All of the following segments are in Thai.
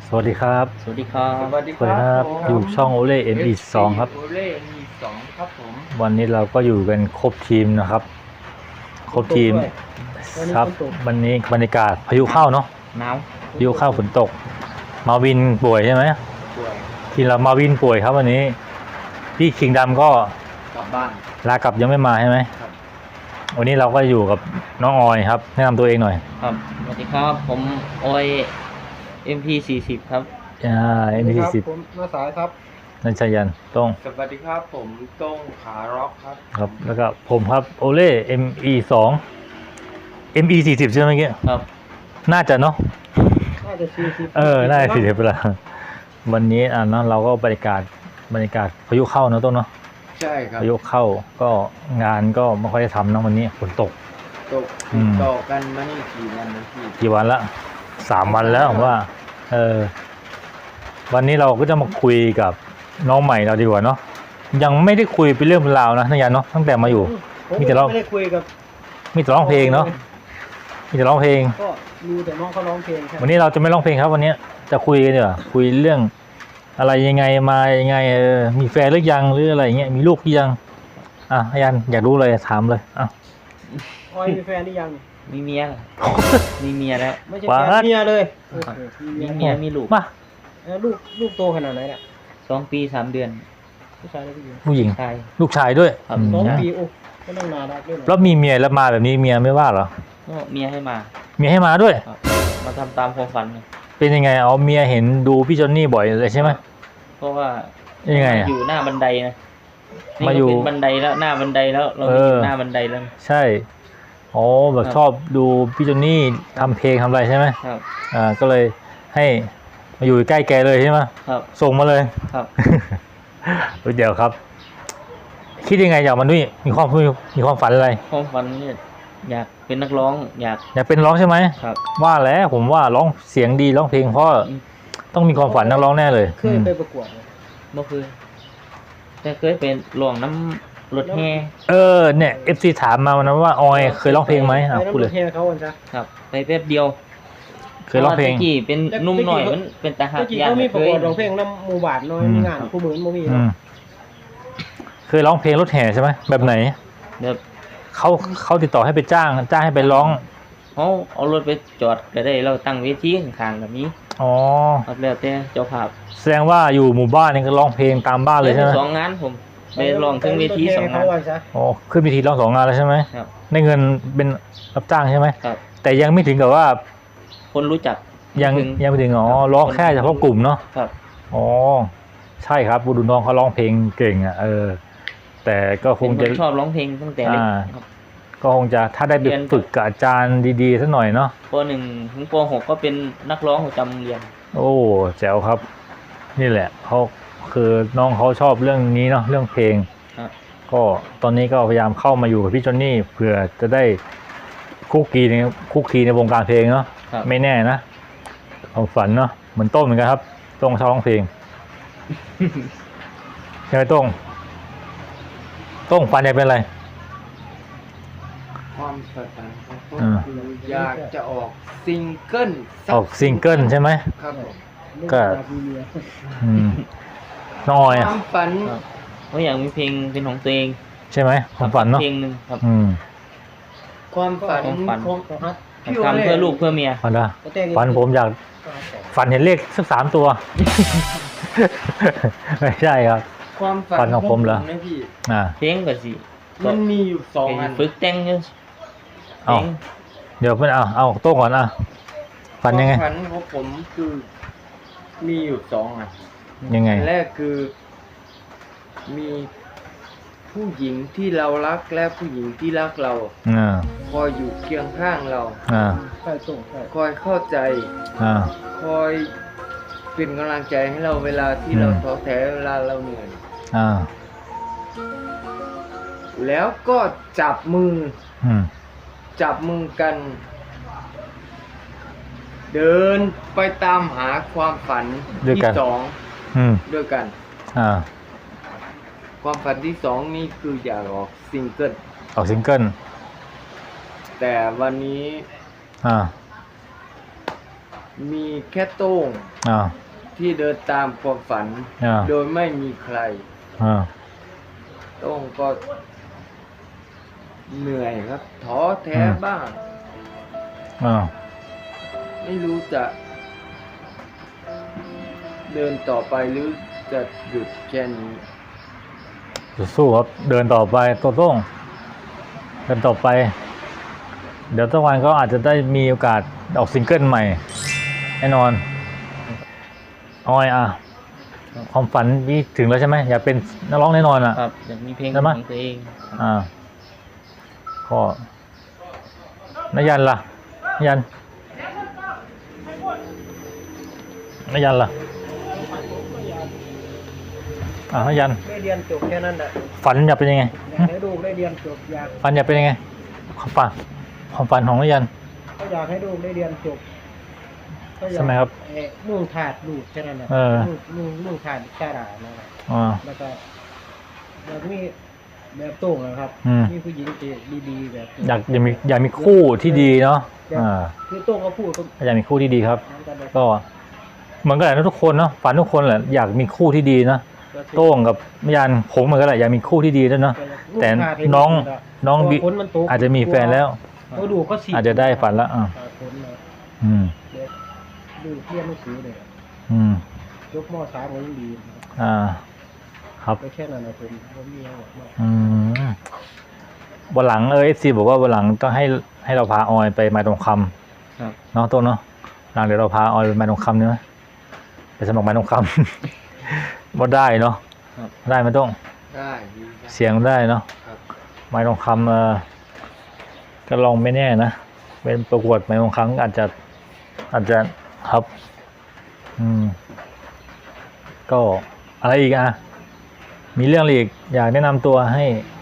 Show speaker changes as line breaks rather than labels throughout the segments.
สวัสดีครับ
สวัสดีครับ
สวัสดีค
สวัสดี
รับ
ครับอยู่ช่องโอเล่ ME2 ครับ
โอเล่ ME2 ครับผม
วันนี้เราก็อยู่กันครบทีมนะครับ ครบทีมครับวันนี้บรรยากาศพายุเข้าเนาะ
หนาว
พายุเข้าฝนตก มาวินป่วยใช่ไหม
ป่วย
ทีมเรามาวินป่วยครับวันนี้พี่คิงดำก็
กลับบ้าน
ลากลับยังไม่มาใช่ไหม
ครับ
วันนี้เราก็อยู่กับน้องออยครับแนะนำตัวเองหน่อย
ครับสวัสดีครับผมออย MP40 ครับ
ME10
ผมมาสายครับ
นันชยันต้อง
สวัสดีครับผมต้งขาร็อกครับ
ครับแล้วก็ผมครับโอเล่ ME2 ME40 ใช่ไหมเมื่อกี้
ครับ
น่าจะเนาะ
น่าจะ40
น่าจะ40เวลาวันนี้เนาะเราก็บรรยากาศพายุเข้าเนอะต้นเนาะ
ใช่ครับ
พายุเข้าก็งานก็ไม่ค่อยได้ทำเนอะวันนี้ฝนตก
ตก
อืม
ต่อกันมานี่กี่วันนะพี่
กี่วันละ3 วันแล้วผมว่าวันนี้เราก็จะมาคุยกับน้องใหม่เราดีกว่าเนาะยังไม่ได้คุยเป็นเรื่องเป็นราวนะนักยันเนาะตั้งแต่มาอยู่
ผม
มีแต่เรา
ไม่ได้คุยกับ
มีแต่ร้องเพลงเนาะมีแต่ร้องเพลง
ก็ดูแต่น้องเขาร้องเพลงครับ
วันนี้เราจะไม่ร้องเพลงครับวันนี้จะคุยกันเดี๋ยวาคุยเรื่องอะไรยังไงมายังไงมีแฟนหรือยังหรืออะไรเงี้ยมีลูกหรือยังอายันอยากรู้เลยถามเลย
ออยมีแฟนหรือยัง
มีเมีย มีเมียแล้ว
ไม่ใช่แฟนเมียเลยโอเค
มีเมียมีลูก
มา
ลูกโตขนาดไหนเนี่ย
2 ปี 3 เดือน
ผู้ชายหรือผู้หญิง
ผู้หญิง
ชาย
ลูกชายด้วย
ครับ
สอง
ม
ปีโอ้ก็ต้องนานแล้วด้วย
แล้วมีเมียแล้วมาแบบนี้เมียไม่ว่าเหรอ
ก็เมียให้มา
เมียให้มาด้วย
ครับมาทำตามความฝันเลย
เป็นยังไงเอาเมียเห็นดูพี่จอนนี่บ่อยเลยใช่ไหม
เพราะว่า
ยังไงอะ
อยู่หน้าบันไดนะนี่
มา
ก็
อยู่
เป็นบันไดแล้วหน้าบันไดแล้วเราไม่อยู่หน้าบันไดแล้ว
ใช่อ๋อแบบ
ครับ
ชอบดูพี่จอนนี่ทำเพลงทำอะไรใช่ไหม
ครับ
ก็เลยให้มาอยู่ใกล้แกเลยใช่ไหม
ครับ
ส่งมาเลย
ครับ
เดี๋ยวครับ คิดยังไงอยากมาด้วยมีความฝันอะไร
ความฝันเนี่ยอยากเป็นนักร้องอยาก
อยากเป็นร้องใช่ไหม
ครับ
ว่าแล้วผมว่าร้องเสียงดีร้องเพลงเพราะต้องมีความฝันนักร้องแน่เลย
เคยไปประกวดไหม
เมื่อคืนแต่เคยเป็นหลวงน้ำรถแห่
เนี่ย FC ถามมาวันนั้นว่าออยเคยร้องเพลงไหม
ไป
พูดเลย
น้ำเทเขาวันจ้ะ
ครับ ไปแป๊บเดียว
เคยร้องเพลง
พาะว่าตะกี้เป็นหนุ่มหน่อยมันเป็นตาหัก
เมื่อกี้
ยาก
เขามีประกวดร้องเพล
ย
งน้ำหมู่บ้านน้อยมีงานคู่มือมันมี
อืมเคยร้องเพลงรถแห่ใช่ไหมแบบไหน
แบบ
เขาติดต่อให้ไปจ้างให้ไปร้อง
เขาเอารถไปจอดก็ได้เราตั้งเวทีข้างๆแบบนี้
อ๋อ
ครับแล้วแต่เจ้าภาพ
แสดงว่าอยู่หมู่บ้านนี่ก็ร้องเพลงตามบ้านเลยใช่ไหม
สองงานผมไปลองถึงเวที2 งาน
เขาวันจ้ะ
อ๋อขึ้นเวทีร้อง2 งานแล้วใช่ไหม
ครับ
ได้เงินเป็นรับจ้างใช่ไหม
ครับ
แต่ยังไม่ถึงกับว่า
คนรู้จัก
ยัง
ถึง
ไม่ถึงร้องแค่เฉพาะกลุ่มเนาะ
ครับ
อ๋อใช่ครับบุรุษน้องเขาร้องเพลงเก่งแต่ก็ค
เป็น
ง
ค
จะ
นชอบร้องเพลงตั้งแต่เล็ก
อ่า
ครับ
ก็คงจะถ้าได้ไป
เรียน
ฝึกกับอาจารย์ดีๆสักหน่อยเนาะ
ป .1 ถึงป .6 ก็เป็นนักร้องประจำโรงเรียน
โอ้แจ๋วครับ นี่แหละเขาคือน้องเขาชอบเรื่องนี้เนาะเรื่องเพลง
ครับ
ก็ตอนนี้ก็พยายามเข้ามาอยู่กับพี่จอนนี่เพื่อจะได้คุกคีในวงการเพลงเนาะ
ครับ
ไม่แน่นะความฝันเนาะเหมือนโต้งเหมือนกันครับโต้งชอบร้องเพลง ใช่ไหมโต้งฝันอยากเป็นอะไร
ความฝันของผม
อ่า
คืออยากจะออกซิงเกิลสั
ออกซิงเกิลใช่ไหม
ครับผม
ก็
มีเมีย
อืมน้องออย
ค
อะ
วามฝัน
ครับเพราะอยากมีเพลงเป็นของตัวเอง
ใช่ไหมความฝันเนาะ
เพลงหนึ่งครับ
ความฝัน
ความฝัน
ของ
ก็ฮัท
พี่โอ
ทำ
เล่
เพื่อลูกเพื่อเมีย
ฝันละ
ก็แต่ง
ฝันผมอยากฝันเห็นเลขสัก3 ตัว ไม่ใช่ครับ
ความฝั
ฝันของผมเหรอ
นะพี่
เพลงก็สิ
มันมีอยู่2 อัน
ฝึกแต่งอยู่เพ
เอา
ลง
เดี๋ยวเพื่อนเอาโต้งก่อนฝันยังไง
ความฝันของผมคือมีอยู่2 อัน
ยังไง
อันแรกคือมีผู้หญิงที่เรารักและผู้หญิงที่รักเรา
อ่า
คอยอยู่เคียงข้างเรา
อ่า
ใช่ส่งใช่
คอยเข้าใจ
อ่า
คอยเป็นกำลังใจให้เราเวลาที่
อืม
เราท้อแท้เวลาเราเหนื่อย
อ่า
แล้วก็จับมือ
อืม
จับมือกัน เดินไปตามหาความฝันที่สอง
อืม
ด้วยกัน
อ่า
ความฝันที่2นี่คืออยากออกซิงเกิล
ออกซิงเกิล
แต่วันนี้
อ่า
มีแค่โต้ง
อ่า
ที่เดินตามความฝัน
อ่า
โดยไม่มีใคร
อ่า
โต้งก็เหนื่อยครับท้อแท้บ้าง
อ่า
ไม่รู้จะ เดินต่อไปหรือจะหยุดแค่นี้
สู้ครับเดินต่อไปโต้งเดินต่อไป เดี๋ยวสักวันก็อาจจะได้มีโอกาสออกซิงเกิลใหม่แน่นอนออยอ่ะความฝันนี่ถึงแล้วใช่ไหมอยากเป็นนักร้องแน่นอนอ่ะ
ครับอยากมีเพลง
ใช่ไหม
ของตัวเอง
อ่าก็นายันล่ะนายันนายันล่ะนายัน
ได้เรียนจบแค่นั้นแหละ
ฝันอยากเป็นยังไง
อยากให้ลูกได้เรียนจบอยาก
ฝันอยากเป็นยังไงความฝันของนายัน
ก็อยากให้ลูกได้เรียนจบก็อยาก
ใช่ไหมครับ
มุ่งถาดลูกแค่นั้นแหละ
เออ
มุ่งถาดแค่ด่านั่นแหละ
อ่า
แล้วก็แบบมีแบบโต้งนะครับ
อืม
มีผู้หญิงที่ดีๆแบบ
อยากมีคู่ที่ดีเนาะอ่า
คือโต้งเขาพูดก็
อยากมีคู่ที่ดีครับ
นั้นกันเลย
ก็เหมือนกันแหละนะทุกคนเนาะฝันทุกคนแหละอยากมีคู่ที่ดีนะโต้งกับนายันผมเหมือนกันแหละอยากมีคู่ที่ดีด้วยเนาะแต่น้องบิอาจจะมีแฟนแล้ว
เขาดูก็สิ
อาจจะได้ฝันละอ่า
ผลเลย
อืม
เด็กดูเรียนหนังสือเลย
อืม
ยกม .3 ก็ยังดีนะครับ
อ่า ครับ
ก็แค่นั้นนะผมมีอะไรมาก
อืมวันหลังFC บอกว่าวันหลังต้องให้เราพาออยไปไม้ทองค
ครับ
ำเนาะต้นเนาะหลังเดี๋ยวเราพาออยไปไม้ทองคำเนาะไปสมัครไม้ทองคำ ว่าได้เนาะ
ครับ
ได้ไหมต้ง
ได้ดีครับ
เสียงได้เนาะ
ครับ
ไม้ทองคำก็ลองไม่แน่นะเป็นประกวดไม้ทองคำอาจจะครับ อืม ก็อะไรอีกอ่ะ มีเรื่องอะไรอีกอยากแนะนำตัวให้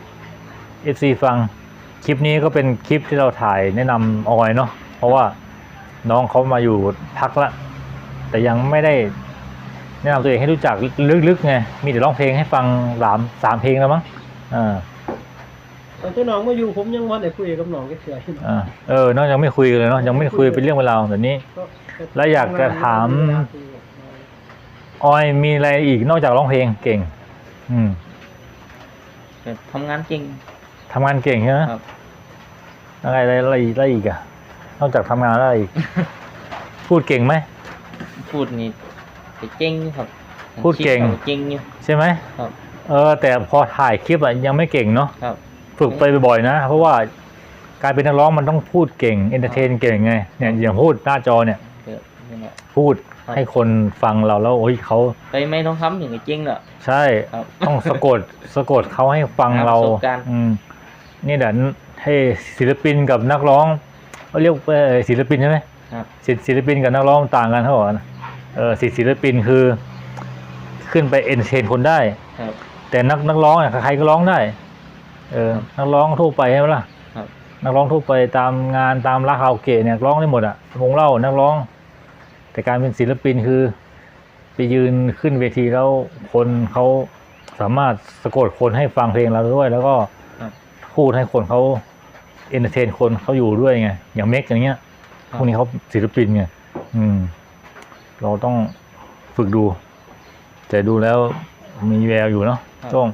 FC ฟังคลิปนี้ก็เป็นคลิปที่เราถ่ายแนะนำออยเนาะเพราะว่าน้องเขามาอยู่พักละแต่ยังไม่ได้แนะนำตัวเองให้รู้จักลึกๆไงมีแต่ร้องเพลงให้ฟัง3 เพลงแล้วมั้งอ่า
ตอนที่น้องมาอยู่ผมยังวันไหนคุยกับน้องก็เสือขึ้น
น้องยังไม่คุยกันเลยเนาะยังไม่คุยเป็นเรื่องเวลาแบบนี้ แล้วอยากจะถาม ออยมีอะไรอีกนอกจากร้องเพลงเก่ง อืม
แต่ทำงานเก่ง
ทำงานเก่งใช่ไหม
ครับ
อะไรอีกอะนอกจากทำงานแล้วอะไรอีก พูดเก่งไหม
พูดนี่แต่เก่งอยู่ครับ
พูดเก่ง
คิว่าเก่งอยู่
ใช่ไหม
ครับ
แต่พอถ่ายคลิปอะยังไม่เก่งเนาะ
ครับ
ฝึกไปบ่อยๆนะ เพราะว่าการเป็นนักร้องมันต้องพูดเก่งเอนเตอร์เทนเก่งไงเนี่ยอย่างพูดหน้าจอเนี่ย
เกิดนี่แหละ
พูด
ครับ
ให้คนฟังเราแล้วโอ้ยเขา
ไปไม่ต้องทำถึงจะเก่งเหรอ
ใช่
ครับ
ต้องสะกดเขาให้ฟัง
หา
เรา
ประสบการณ์
นี่เดี๋ยวให้ศิลปินกับนักร้องเขาเรียกศิลปินใช่ไหม
ครับ
ศิลปินกับนักร้องต่างกันเขาบอกนะศิลปินคือขึ้นไปเอนเตอร์เทนคนได้
ครับ
แต่นักร้องเนี่ยใครก็ร้องได้ นักร้องทั่วไปใช่ไหมล่ะ
ครับ
นักร้องทั่วไปตามงานตามร้านคาราโอเกะเนี่ยร้องได้หมดอ่ะวงเล่านักร้อง แต่การเป็นศิลปินคือไปยืนขึ้นเวทีแล้วคนเขาสามารถสะกดคนให้ฟังเพลงเราด้วย แล้วก็
ครับ
พูดให้คนเขาเอนเตอร์เทนคนเขาอยู่ด้วยไงอย่างเมกอย่างเงี้ยพวกนี้เขาศิลปินไงเราต้องฝึกดู แต่ดูแล้วมีแววอยู่เนาะ
ครับ
ช่วง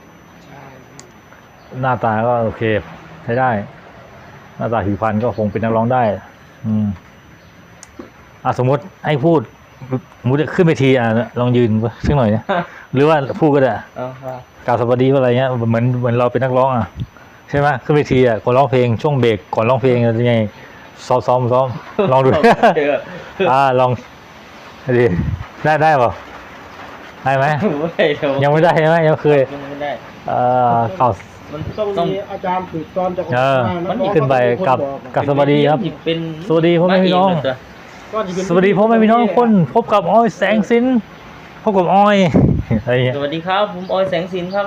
หน้าตาก็โอเคใช้ได้ หน้าตาผิวพรรณก็คงเป็นนักร้องได้สมมติให้พูดสมมติขึ้นไปทีลองยืนสักหน่อยนะหรือว่าพูดก็ได้
เอาครับ
กล่าวสวัสดีว่าอะไรเงี้ยเหมือนเราเป็นนักร้องใช่ไหมขึ้นไปทีคนร้องเพลงช่วงเบรกก่อนร้องเพลงจะยังไงซ้อมลองดู ลองดิได้เปล่าได้ไหม
ไม่ได้เดี๋ยว
ยังไม่ได้ใช่ไหมยังเคย
ยังไม่ได้
กล่าว
มัน
ต้องมีอาจารย์ฝึกตอนจะ
มัน
ขึ้นไปกับสวัสดีครับ
เป็น
สวัสดีพ่อแม่พี่น้อง สวัสดีพ่อแม่พี่น้องทุกคนพบกับออยแสงสินพบกับออยอะไรเงี้ย
สวัสดีครับผมออยแสงสินครับ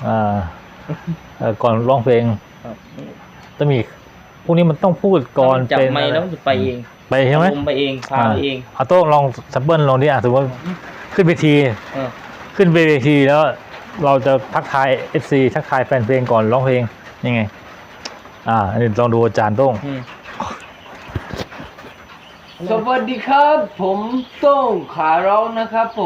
ก่อนร้องเพลง
ครับ
ต้องมีพวกนี้มันต้องพูดก่อน
จับ
เป็น
ไมค์แล้วมันจะไปเอง
ไปใช่ไหม
ผมไปเองพาไปเอง
เอาโต้งลองซับเบิลลองดิสมมติว่าขึ้นเวที
เออ
ขึ้นเวทีแล้วเราจะทักทาย FC ทักทายแฟนเพลงก่อนร้องเพลงยังไงอันนี้ลองดูอาจารย์โต้ง
ส
สวัสดีครับ ผมโต้งขาร้องนะครับผม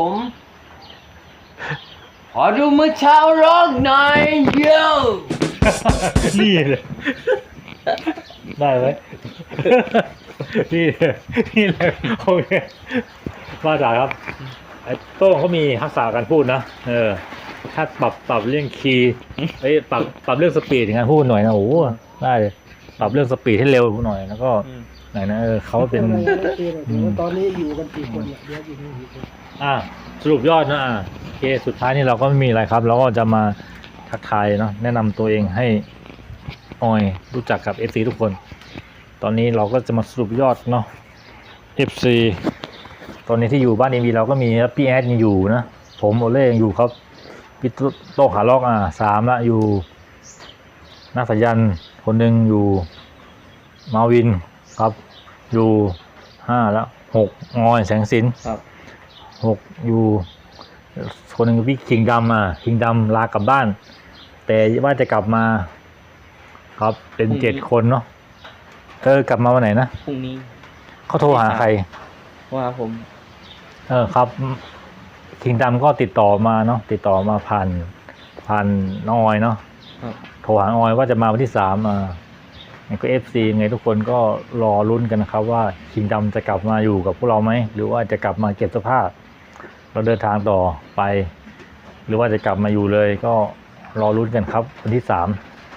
ขอดูเมื่อเช้าร้องหน่อยเยอะ
นี่เลยได้ไหม นี่เลยนี่เลยโอเคมาจากครับไอ้โต้งเขามีทักษะการพูดนะถ้าปรับเรื่องคีย์ปรับเรื่องสปีดในการพูดหน่อยนะโอ้โหได้เลยปรับเรื่องสปีดให้เร็วหน่อยแล้วก็ไหนนะเขาเป็น
ตอนนี้อยู่กันกี่คนเนี่ยเดี๋ยวอยู่นี่กี่คน
สรุปยอดนะโอเคสุดท้ายนี่เราก็ไม่มีอะไรครับเราก็จะมาทักทายเนาะแนะนำตัวเองให้ออยรู้จักกับ FC ทุกคน ตอนนี้เราก็จะมาสรุปยอดเนาะ FC ตอนนี้ที่อยู่บ้านเอ็มวีเราก็มีครับพี่แอดยังอยู่นะผมโอเล่ยังอยู่ครับพี่โต้ขาล็อก3ละอยู่นักสายันคนหนึ่งอยู่มาวินครับอยู่5แล้ว6งอยแสงสิน
ครับ
6อยู่คนหนึ่งพี่คิงดำคิงดำลากลับบ้าน แต่ว่าจะกลับมาครับเป็น7 คนเนาะกลับมาวันไหนนะ
พรุ่งนี้
เขาโทรหาใคร
ว่าผม
ครับคิงดำก็ติดต่อมาเนาะติดต่อมาผ่านน้องออยเนาะ
ครับ
โทรหาออยว่าจะมาวันที่3ไงก็ FC ไงทุกคนก็รอลุ้นกันนะครับว่าคิงดำจะกลับมาอยู่กับพวกเราไหมหรือว่าจะกลับมาเก็บเสื้อผ้าเราเดินทางต่อไป หรือว่าจะกลับมาอยู่เลยก็รอลุ้นกันครับวันที่3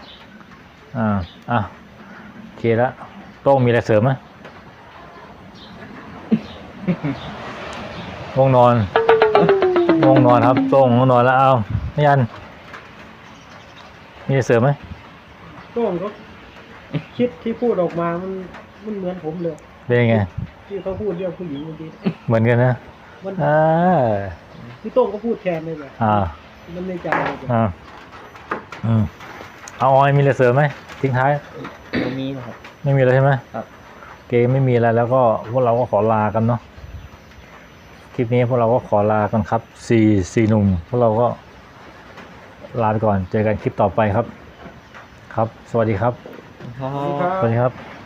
โอเคแล้วโต้งมีอะไรเสริมไหม ง่วงนอนครับโต้งง่วงนอนแล้วเอาไม่ยันมีอะไรเสริมไหม
ต้งก็คิดที่พูดออกมามันเหมือนผมเลย
เป็นยังไง
ที่เขาพูดเรื่องผู้หญิงเมื่อกี้
เหมือนกันนะ
มัน
อ่า
พี่โต้งก็พูดแทนเลยแบบ
อ่า
มันในใจเลยแบบ
อ่าเอาออยมีอะไรเสริมไหมทิ้งท้าย
ตรงนี้นะครับ
ไม่มีแล้วใช่ไหม
ครับ
เกมไม่มีอะไรแล้วก็พวกเราก็ขอลากันเนาะคลิปนี้พวกเราก็ขอลากันครับ4หนุ่มพวกเราก็ลาไปก่อนเจอกันคลิปต่อไปครับ ครับ สวัสดีครับ
ครับ
สวัสดีครับ